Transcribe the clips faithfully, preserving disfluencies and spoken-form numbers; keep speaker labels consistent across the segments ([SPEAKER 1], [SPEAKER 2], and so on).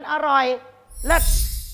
[SPEAKER 1] อร่อยเลิศ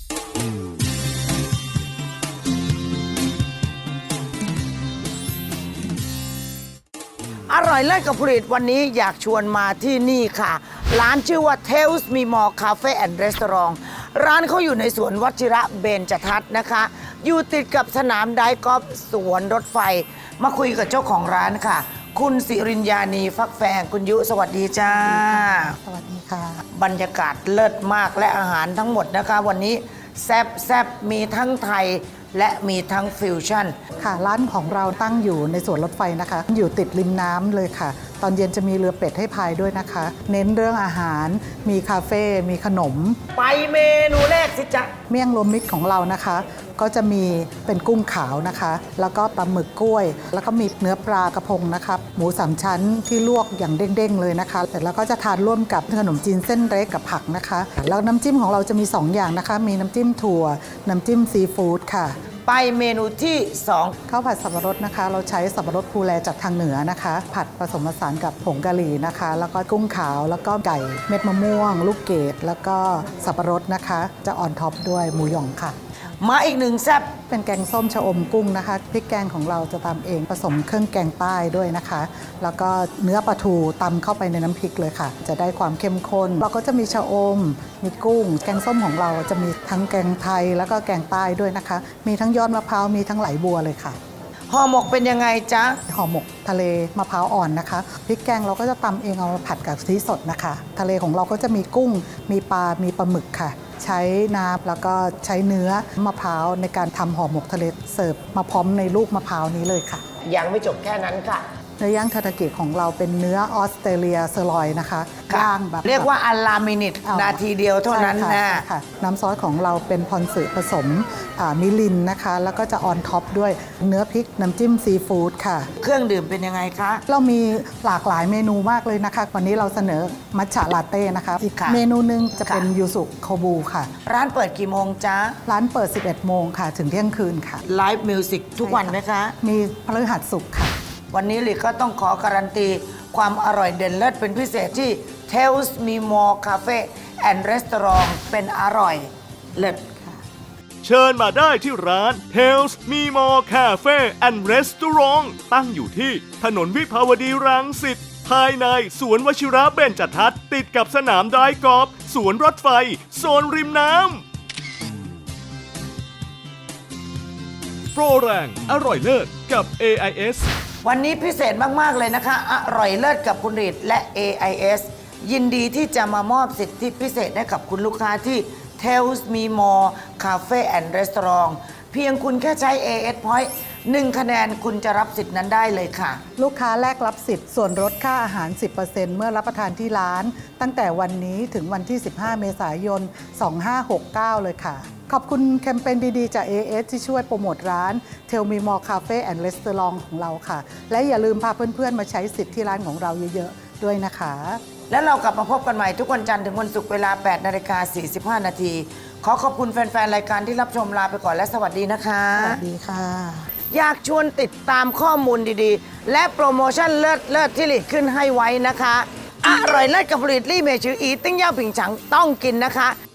[SPEAKER 1] อร่อยเลิศกับผลิตวันนี้อยากชวนมาที่นี่ค่ะร้านชื่อว่า Tales Me More Cafe and Restaurant ร้านเขาอยู่ในสวนวชิระเบญจทัศน์นะคะอยู่ติดกับสนามไดกอล์ฟสวนรถไฟมาคุยกับเจ้าของร้านค่ะคุณสิริญญานีฟักแฟงคุณยุสวัสดีจ้า
[SPEAKER 2] สวัสดีค่ะ
[SPEAKER 1] บรรยากาศเลิศมากและอาหารทั้งหมดนะคะวันนี้แซ่บแซ่บมีทั้งไทยและมีทั้งฟิวชั่น
[SPEAKER 2] ค่ะร้านของเราตั้งอยู่ในสวนรถไฟนะคะอยู่ติดริมน้ำเลยค่ะตอนเย็นจะมีเรือเป็ดให้พายด้วยนะคะเน้นเรื่องอาหารมีคาเฟ่มีขนม
[SPEAKER 1] ไปเมนูแรกสิจ๊ะ
[SPEAKER 2] เมี่ยงรวมมิตรของเรานะคะก็จะมีเป็นกุ้งขาวนะคะแล้วก็ปลาหมึกกล้วยแล้วก็มีเนื้อปลากระพงนะคะหมูสามชั้นที่ลวกอย่างเด้งๆเลยนะคะแต่แล้วก็จะทานร่วมกับขนมจีนเส้นเล็กกับผักนะคะแล้วน้ำจิ้มของเราจะมีสองอย่างนะคะมีน้ำจิ้มถั่วน้ำจิ้มซีฟู้ดค่ะ
[SPEAKER 1] ไปเมนูที่สอง
[SPEAKER 2] ข้าวผัดสับปะรดนะคะเราใช้สับปะรดภูแลจากทางเหนือนะคะผัดผสมผสานกับผงกะหรี่นะคะแล้วก็กุ้งขาวแล้วก็ไก่เม็ดมะม่วงลูกเกดแล้วก็สับปะรดนะคะจะออนท็อปด้วยหมูหยองค่ะ
[SPEAKER 1] มาอีกหนึ่งแซ่บ
[SPEAKER 2] เป็นแกงส้มชะอมกุ้งนะคะพริกแกงของเราจะตำเองผสมเครื่องแกงใต้ด้วยนะคะแล้วก็เนื้อปลาทูตำเข้าไปในน้ำพริกเลยค่ะจะได้ความเข้มข้นเราก็จะมีชะอมมีกุ้งแกงส้มของเราจะมีทั้งแกงไทยแล้วก็แกงใต้ด้วยนะคะมีทั้งยอดมะพร้าวมีทั้งไหลบัวเลยค่ะ
[SPEAKER 1] ห่อหมกเป็นยังไงจ๊ะ
[SPEAKER 2] ห่อหมกทะเลมะพร้าวอ่อนนะคะพริกแกงเราก็จะตำเองเอามาผัดกับกะทิสดนะคะทะเลของเราก็จะมีกุ้งมีปลามีปลาหมึกค่ะใช้น้ำแล้วก็ใช้เนื้อมะพร้าวในการทำห่อหมกทะเลเสิร์ฟมาพร้อมในลูกมะพร้าวนี้เลยค่ะ
[SPEAKER 1] ยังไม่จบแค่นั้นค่ะ
[SPEAKER 2] เนื้อย่างทาทากิของเราเป็นเนื้อออสเตรเลียเซอร์ลอยนะคะย่างแบบ
[SPEAKER 1] เรียกว่าอัลลามินิตนาทีเดียวเท่านั้นนะ
[SPEAKER 2] น้ำซอสของเราเป็นพอนสึผสมมิลินนะคะแล้วก็จะออนท็อปด้วยเนื้อพริกน้ำจิ้มซีฟู้ดค่ะ
[SPEAKER 1] เครื่องดื่มเป็นยังไงคะ
[SPEAKER 2] เรามีหลากหลายเมนูมากเลยนะคะวันนี้เราเสนอมัทฉะลาเต้นะคะอีกเมนูนึงจะเป็นยูสุโคบูค่ะ
[SPEAKER 1] ร้านเปิดกี่โมงจ๊ะ
[SPEAKER 2] ร้านเปิดสิบเอ็ดโมงค่ะถึงเที่ยงคืนค่ะ
[SPEAKER 1] ไลฟ์มิวสิกทุกวันไหมคะ
[SPEAKER 2] มีพฤหัสศุกร์ค่ะ
[SPEAKER 1] วันนี้ลิก็ต้องขอการันตีความอร่อยเด่นเลิศเป็นพิเศษที่ Tales Me More Cafe and Restaurant เป็นอร่อยเลิศ
[SPEAKER 3] เชิญมาได้ที่ร้าน Tales Me More Cafe and Restaurant ตั้งอยู่ที่ถนนวิภาวดีรังสิตภายในสวนวชิระเบญจทัศน์ติดกับสนามไดกอล์ฟสวนรถไฟโซนริมน้ำโปรแรงอร่อยเลิศกับ เอ ไอ เอส
[SPEAKER 1] วันนี้พิเศษมากๆเลยนะคะอร่อยเลิศกับคุณฤทธิ์และ เอ ไอ เอส ยินดีที่จะมามอบสิทธิพิเศษให้กับคุณลูกค้าที่ Tales Me More Cafe and Restaurant เพียงคุณแค่ใช้ เอ เอส Point หนึ่งคะแนนคุณจะรับสิทธินั้นได้เลยค่ะ
[SPEAKER 2] ลูกค้าแลกรับสิทธิ์ส่วนลดค่าอาหาร สิบเปอร์เซ็นต์ เมื่อรับประทานที่ร้านตั้งแต่วันนี้ถึงวันที่ สิบห้า เมษายน สองห้าหกเก้า เลยค่ะขอบคุณแคมเปญดีๆจาก เอ เอส ที่ช่วยโปรโมทร้าน Tell Me More Cafe and Restaurant ของเราค่ะและอย่าลืมพาเพื่อนๆมาใช้สิทธิ์ที่ร้านของเราเยอะๆด้วยนะคะ
[SPEAKER 1] แล้วเรากลับมาพบกันใหม่ทุกวันจันทร์ถึงวันศุกร์เวลา แปดนาฬิกาสี่สิบห้า นาทีขอขอบคุณแฟนๆรายการที่รับชมลาไปก่อนและสวัสดีนะคะ
[SPEAKER 2] สวัสดีค่ะ
[SPEAKER 1] อยากชวนติดตามข้อมูลดีๆและโปรโมชั่นเลิศเลิศที่หลีดขึ้นให้ไว้นะคะอร่อยเลิศกับผลิตลี่เมชืออีติ้งเย่าผิงฉังต้องกินนะคะ